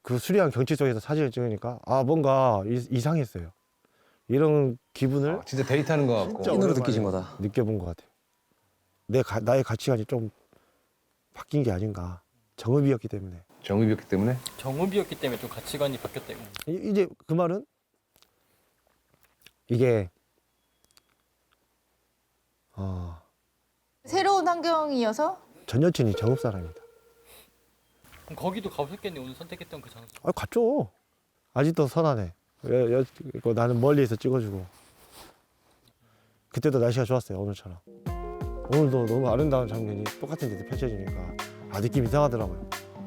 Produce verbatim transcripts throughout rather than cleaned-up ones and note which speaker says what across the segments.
Speaker 1: 그 수려한 경치 속에서 사진을 찍으니까 아 뭔가 이, 이상했어요. 이런 기분을
Speaker 2: 아, 진짜 데이트하는 거 같고.
Speaker 1: 진짜
Speaker 3: 찐으로
Speaker 1: 오랜만에
Speaker 3: 느끼신 거다.
Speaker 1: 느껴본 것 같아요. 내 가, 나의 가치관이 좀 바뀐 게 아닌가. 정읍이었기 때문에.
Speaker 2: 정읍이었기 때문에.
Speaker 4: 정읍이었기 때문에 좀 가치관이 바뀌었대요.
Speaker 1: 이- 이제 그 말은 이게 어,
Speaker 5: 새로운 환경이어서
Speaker 1: 전 여친이 정읍 사람이다.
Speaker 4: 그럼 거기도 가보셨겠네 오늘 선택했던 그 장소.
Speaker 1: 아 갔죠. 아직도 선하네. 여, 여, 이거 나는 멀리에서 찍어주고. 그때도 날씨가 좋았어요. 오늘처럼. 오늘도 너무 아름다운 장면이 똑같은 데서 펼쳐지니까 아 느낌 이상하더라고요.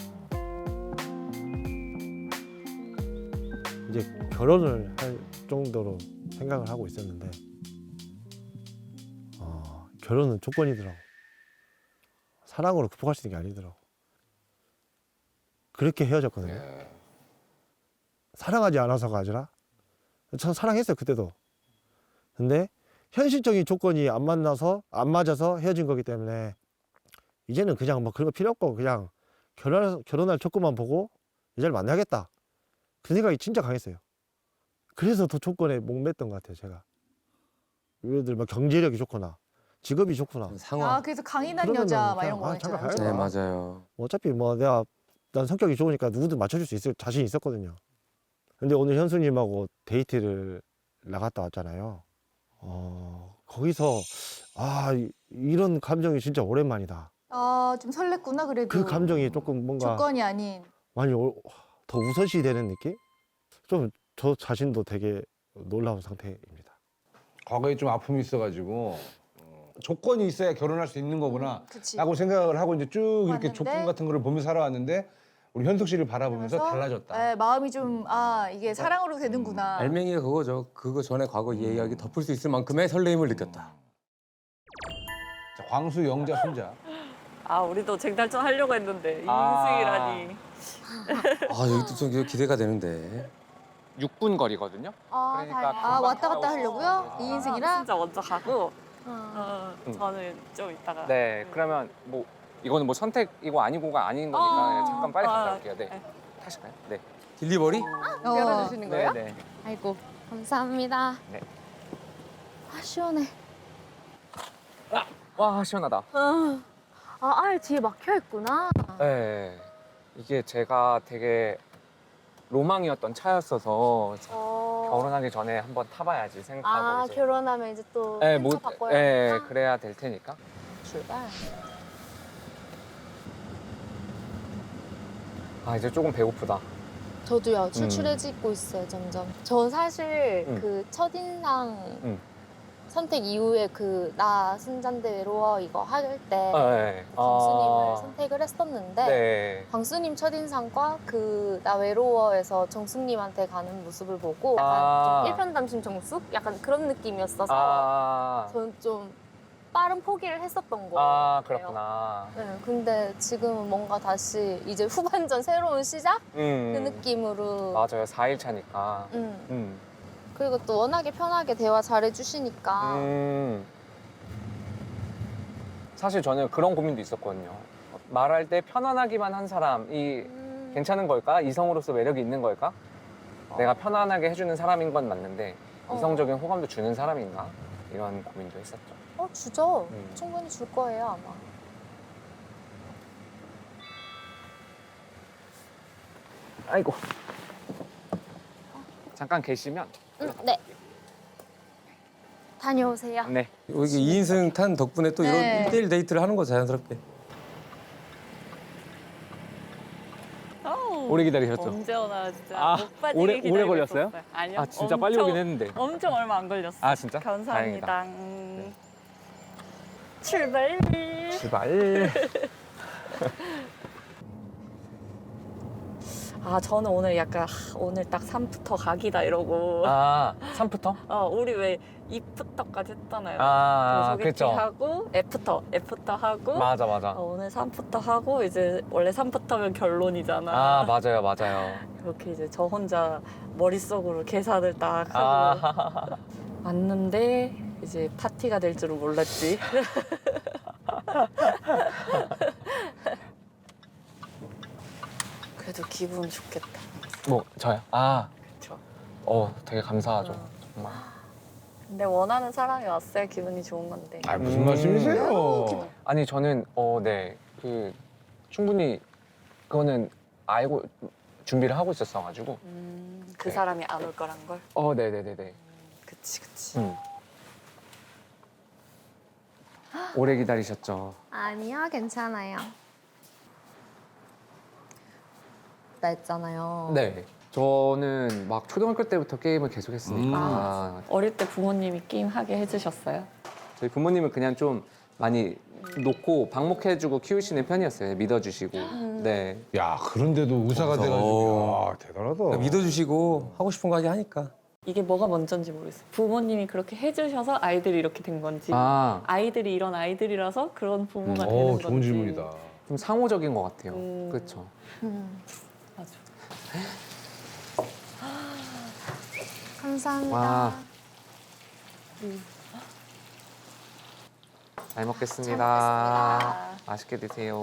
Speaker 1: 이제 결혼을 할 정도로 생각을 하고 있었는데 어, 결혼은 조건이더라고. 사랑으로 극복할 수 있는 게 아니더라고. 그렇게 헤어졌거든요. 사랑하지 않아서가 아니라 전 사랑했어요 그때도. 근데 현실적인 조건이 안 만나서 안 맞아서 헤어진 거기 때문에 이제는 그냥 뭐 그런 거 필요 없고 그냥 결혼 결혼할 조건만 보고 여자를 만나야겠다 그 생각이 진짜 강했어요. 그래서 더 조건에 목맸던 것 같아요 제가. 예를 들어 막 경제력이 좋거나 직업이 좋구나.
Speaker 3: 상황.
Speaker 5: 아 그래서 강인한
Speaker 1: 그러면은
Speaker 5: 여자 막 이런
Speaker 1: 그냥,
Speaker 5: 거
Speaker 1: 아, 잠깐
Speaker 5: 있잖아요.
Speaker 1: 가요.
Speaker 3: 네, 맞아요.
Speaker 1: 어차피 뭐 내가 난 성격이 좋으니까 누구든 맞춰줄 수 있을 자신이 있었거든요. 근데 오늘 현수님하고 데이트를 나갔다 왔잖아요. 어, 거기서 아 이- 이런 감정이 진짜 오랜만이다.
Speaker 5: 아좀 설렜구나 그래도.
Speaker 1: 그 감정이 조금 뭔가
Speaker 5: 조건이 아닌.
Speaker 1: 많이 오- 더 우선시 되는 느낌? 좀 저 자신도 되게 놀라운 상태입니다.
Speaker 2: 과거에 좀 아픔이 있어가지고 어, 조건이 있어야 결혼할 수 있는 거구나.
Speaker 5: 그치.
Speaker 2: 라고 생각을 하고 이제 쭉 이렇게
Speaker 5: 맞는데?
Speaker 2: 조건 같은 거를 보며 살아왔는데 우리 현숙 씨를 바라보면서
Speaker 5: 그래서,
Speaker 2: 달라졌다.
Speaker 5: 네, 마음이 좀 아 이게 사랑으로 되는구나.
Speaker 3: 알맹이가 그거죠. 그거 전에 과거 이야기 덮을 수 있을 만큼의 설레임을 느꼈다.
Speaker 2: 자, 광수, 영자, 순자.
Speaker 6: 아 우리도 쟁탈전 하려고 했는데
Speaker 7: 아.
Speaker 6: 이인승이라니.
Speaker 3: 아 여기도 좀 기대가 되는데.
Speaker 7: 육 분 거리거든요.
Speaker 8: 아,
Speaker 7: 그러니까
Speaker 8: 다행이다.
Speaker 5: 아 왔다 갔다 하려고요? 이인승이랑?
Speaker 6: 진짜 먼저 가고
Speaker 8: 어.
Speaker 6: 어,
Speaker 7: 음.
Speaker 6: 저는 좀 이따가.
Speaker 7: 네, 그러면 뭐 이거는 뭐 선택이고 아니고가 아닌 거니까
Speaker 6: 어.
Speaker 7: 그냥 잠깐 빨리 갔다
Speaker 6: 아,
Speaker 7: 올게요. 네.
Speaker 6: 네.
Speaker 7: 타실까요? 네.
Speaker 3: 딜리버리?
Speaker 5: 어.
Speaker 8: 열어주시는
Speaker 7: 네, 네.
Speaker 8: 아이고 감사합니다.
Speaker 7: 네.
Speaker 8: 아 시원해.
Speaker 7: 와, 시원하다.
Speaker 8: 아, 아 뒤에 막혀 있구나.
Speaker 7: 네. 이게 제가 되게 로망이었던 차였어서
Speaker 8: 어.
Speaker 7: 결혼하기 전에 한번 타봐야지 생각하고
Speaker 8: 아
Speaker 7: 이제.
Speaker 8: 결혼하면 이제 또
Speaker 7: 네,
Speaker 8: 뭐,
Speaker 7: 뭐,
Speaker 8: 바꿔야
Speaker 7: 네,
Speaker 8: 되니까?
Speaker 7: 그래야 될 테니까.
Speaker 8: 출발.
Speaker 7: 아, 이제 조금 배고프다.
Speaker 8: 저도요 출출해지고 있어요 점점. 저 사실
Speaker 7: 음.
Speaker 8: 그 첫인상
Speaker 7: 음.
Speaker 8: 선택 이후에 그 나 순잔데 외로워 이거 할 때
Speaker 7: 아, 네.
Speaker 8: 광수님을
Speaker 7: 아,
Speaker 8: 선택을 했었는데
Speaker 7: 네.
Speaker 8: 광수님 첫인상과 그 나 외로워에서 정숙님한테 가는 모습을 보고 약간
Speaker 7: 아.
Speaker 8: 좀 일편단심 정숙? 약간 그런 느낌이었어서
Speaker 7: 아,
Speaker 8: 저는 좀 빠른 포기를 했었던 거예요.
Speaker 7: 아, 그렇구나.
Speaker 8: 네, 근데 지금은 뭔가 다시 이제 후반전 새로운 시작?
Speaker 7: 음.
Speaker 8: 그 느낌으로.
Speaker 7: 맞아요. 사 일 차니까.
Speaker 8: 음.
Speaker 7: 음.
Speaker 8: 그리고 또 워낙에 편하게 대화 잘해주시니까.
Speaker 7: 음. 사실 저는 그런 고민도 있었거든요. 말할 때 편안하기만 한 사람이
Speaker 8: 음.
Speaker 7: 괜찮은 걸까? 이성으로서 매력이 있는 걸까? 내가 편안하게 해주는 사람인 건 맞는데
Speaker 8: 어.
Speaker 7: 이성적인 호감도 주는 사람인가? 이런 고민도 했었죠.
Speaker 8: 어, 주죠.
Speaker 7: 음.
Speaker 8: 충분히 줄 거예요, 아마.
Speaker 7: 아이고. 잠깐 계시면.
Speaker 8: 음, 네. 다녀오세요.
Speaker 7: 네.
Speaker 3: 여기 이인승 탄 덕분에 또 이런
Speaker 5: 네.
Speaker 3: 일대일 데이트를 하는 거 자연스럽게.
Speaker 7: 오래 기다리셨죠?
Speaker 6: 언제 오나 진짜
Speaker 7: 아,
Speaker 6: 못 빠지게
Speaker 7: 오래-
Speaker 6: 기다리고
Speaker 7: 오래 걸렸어요?
Speaker 6: 있었어요. 아니요.
Speaker 7: 아, 진짜 빨리
Speaker 6: 엄청-
Speaker 7: 오긴 했는데.
Speaker 6: 엄청 얼마 안 걸렸어요.
Speaker 7: 아, 진짜?
Speaker 6: 감사합니다. 음. 출발.
Speaker 7: 제발.
Speaker 6: 아 저는 오늘 약간 하, 오늘 딱 삼부터 각이다 이러고.
Speaker 7: 아, 삼부터?
Speaker 6: 어 우리 왜 이부터까지 했잖아요.
Speaker 7: 아,
Speaker 6: 소개팅
Speaker 7: 그렇죠.
Speaker 6: 하고 애프터 애프터 하고.
Speaker 7: 맞아, 맞아.
Speaker 6: 어, 오늘 삼부터 하고 이제 원래 삼부터면 결론이잖아.
Speaker 7: 아, 맞아요, 맞아요.
Speaker 6: 이렇게 이제 저 혼자 머릿속으로 계산을 딱 하고
Speaker 7: 아,
Speaker 6: 왔는데 이제 파티가 될 줄은 몰랐지. 그래도 기분 좋겠다.
Speaker 7: 뭐 저요? 아,
Speaker 6: 그쵸.
Speaker 7: 어 되게 감사하죠.
Speaker 6: 음.
Speaker 7: 정말.
Speaker 6: 근데 원하는 사람이 왔어야 기분이 좋은 건데.
Speaker 2: 아 무슨
Speaker 7: 음.
Speaker 2: 말씀이세요?
Speaker 7: 아니 저는 어 네 그 충분히 그거는 알고 준비를 하고 있었어가지고.
Speaker 6: 음, 그
Speaker 7: 네.
Speaker 6: 사람이 안 올 거란 걸.
Speaker 7: 어 네네네네.
Speaker 6: 그치 그치.
Speaker 7: 음. 오래 기다리셨죠.
Speaker 8: 아니요, 괜찮아요. 나 했잖아요.
Speaker 7: 네. 저는 막 초등학교 때부터 게임을 계속 했으니까
Speaker 6: 어릴 때 부모님이 게임 하게 해주셨어요?
Speaker 7: 저희 부모님은 그냥 좀 많이 놓고 방목해주고 키우시는 편이었어요. 믿어주시고. 네.
Speaker 2: 야 그런데도 의사가 돼가지고 야 대단하다.
Speaker 3: 믿어주시고 하고 싶은 거 하게 하니까.
Speaker 6: 이게 뭐가 먼저인지 모르겠어요. 부모님이 그렇게 해주셔서 아이들이 이렇게 된 건지
Speaker 7: 아,
Speaker 6: 아이들이 이런 아이들이라서 그런 부모가 되는
Speaker 2: 어
Speaker 6: 건지.
Speaker 2: 좋은 질문이다.
Speaker 7: 좀 상호적인 것 같아요.
Speaker 6: 음.
Speaker 7: 그렇죠.
Speaker 6: 맞아.
Speaker 8: 감사합니다.
Speaker 7: 와. 잘 먹겠습니다.
Speaker 8: 잘 먹겠습니다.
Speaker 7: 맛있게 드세요.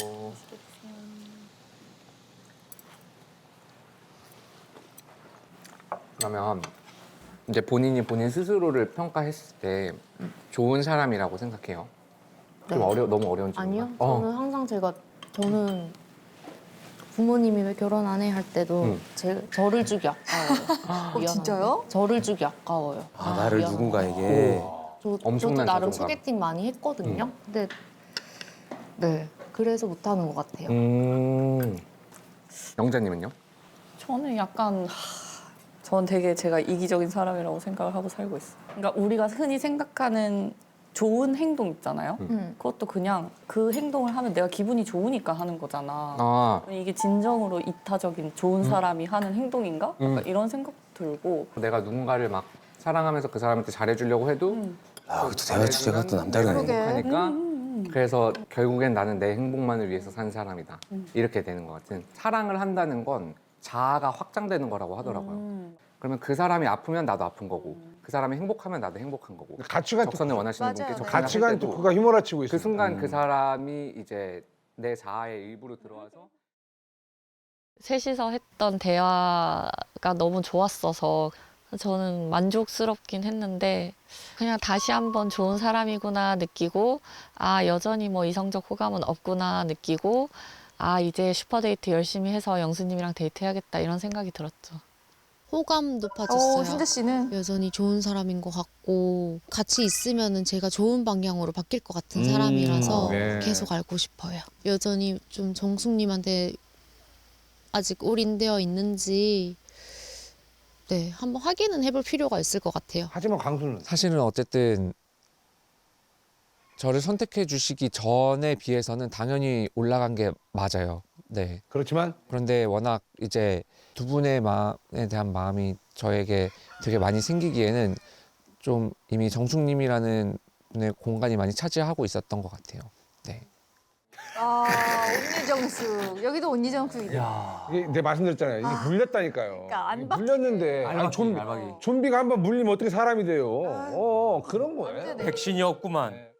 Speaker 7: 그러면 이제 본인이 본인 스스로를 평가했을 때 좋은 사람이라고 생각해요. 좀
Speaker 8: 네.
Speaker 7: 어려 너무 어려운 질문.
Speaker 8: 아니요,
Speaker 7: 어.
Speaker 8: 저는 항상 제가 저는 부모님이 왜 결혼 안 해 할 때도
Speaker 7: 음.
Speaker 8: 제, 저를 주기 아까워요. 미안한데.
Speaker 5: 진짜요?
Speaker 8: 저를 주기 아까워요.
Speaker 3: 아, 나를
Speaker 8: 미안한데.
Speaker 3: 누군가에게.
Speaker 8: 저, 저도
Speaker 7: 엄청난
Speaker 8: 나름
Speaker 7: 자존감.
Speaker 8: 소개팅 많이 했거든요. 근데 네, 그래서 못하는 것 같아요.
Speaker 7: 음. 영자님은요?
Speaker 6: 저는 약간 하, 전 되게 제가 이기적인 사람이라고 생각을 하고 살고 있어요. 그러니까 우리가 흔히 생각하는 좋은 행동 있잖아요.
Speaker 7: 음.
Speaker 8: 음.
Speaker 6: 그것도 그냥 그 행동을 하면 내가 기분이 좋으니까 하는 거잖아.
Speaker 7: 아,
Speaker 6: 이게 진정으로 이타적인 좋은 사람이 하는 행동인가? 약간
Speaker 7: 음.
Speaker 6: 이런 생각도 들고.
Speaker 7: 내가 누군가를 막 사랑하면서 그 사람한테 잘해주려고 해도
Speaker 6: 음.
Speaker 3: 아, 그것도 대화 주제가 또 남다르네.
Speaker 5: 그러게.
Speaker 7: 행복하니까
Speaker 6: 음.
Speaker 7: 그래서 결국엔 나는 내 행복만을 위해서 산 사람이다.
Speaker 6: 음.
Speaker 7: 이렇게 되는 것 같은. 사랑을 한다는 건 자아가 확장되는 거라고 하더라고요.
Speaker 6: 음.
Speaker 7: 그러면 그 사람이 아프면 나도 아픈 거고 그 사람이 행복하면 나도 행복한 거고
Speaker 2: 가치관
Speaker 7: 적선을 원하시는
Speaker 5: 맞아요.
Speaker 7: 분께
Speaker 5: 네.
Speaker 7: 적선을
Speaker 2: 가치관
Speaker 7: 할 때도
Speaker 2: 토크가 휘몰아치고 있어.
Speaker 7: 그 순간 그 사람이 이제 내 자아의 일부로 들어와서
Speaker 6: 셋이서 했던 대화가 너무 좋았어서 저는 만족스럽긴 했는데 그냥 다시 한번 좋은 사람이구나 느끼고 아 여전히 뭐 이성적 호감은 없구나 느끼고 아 이제 슈퍼데이트 열심히 해서 영수님이랑 데이트해야겠다 이런 생각이 들었죠.
Speaker 9: 호감 높아졌어요.
Speaker 5: 어, 신재 씨는
Speaker 9: 여전히 좋은 사람인 것 같고 같이 있으면은 제가 좋은 방향으로 바뀔 것 같은 사람이라서
Speaker 2: 네.
Speaker 9: 계속 알고 싶어요. 여전히 좀 정숙님한테 아직 올인되어 있는지 네 한번 확인은 해볼 필요가 있을 것 같아요.
Speaker 2: 하지만 강수는
Speaker 10: 사실은 어쨌든 저를 선택해 주시기 전에 비해서는 당연히 올라간 게 맞아요. 네.
Speaker 2: 그렇지만
Speaker 10: 그런데 워낙 이제 두 분의 마음에 대한 마음이 저에게 되게 많이 생기기에는 좀 이미 정숙님이라는 분의 공간이 많이 차지하고 있었던 것 같아요. 네.
Speaker 5: 아 온니정숙 여기도 온니정숙이다.
Speaker 3: 야.
Speaker 2: 이게 내가 말씀드렸잖아요. 이게 물렸다니까요.
Speaker 5: 그러니까 안
Speaker 2: 이게
Speaker 5: 바뀌-
Speaker 2: 물렸는데 아니,
Speaker 3: 알박기,
Speaker 2: 좀비
Speaker 3: 알박이.
Speaker 2: 좀비가 한번 물리면 어떻게 사람이 돼요?
Speaker 5: 아유.
Speaker 2: 어 그런 거예요.
Speaker 5: 언제 내-
Speaker 3: 백신이었구만.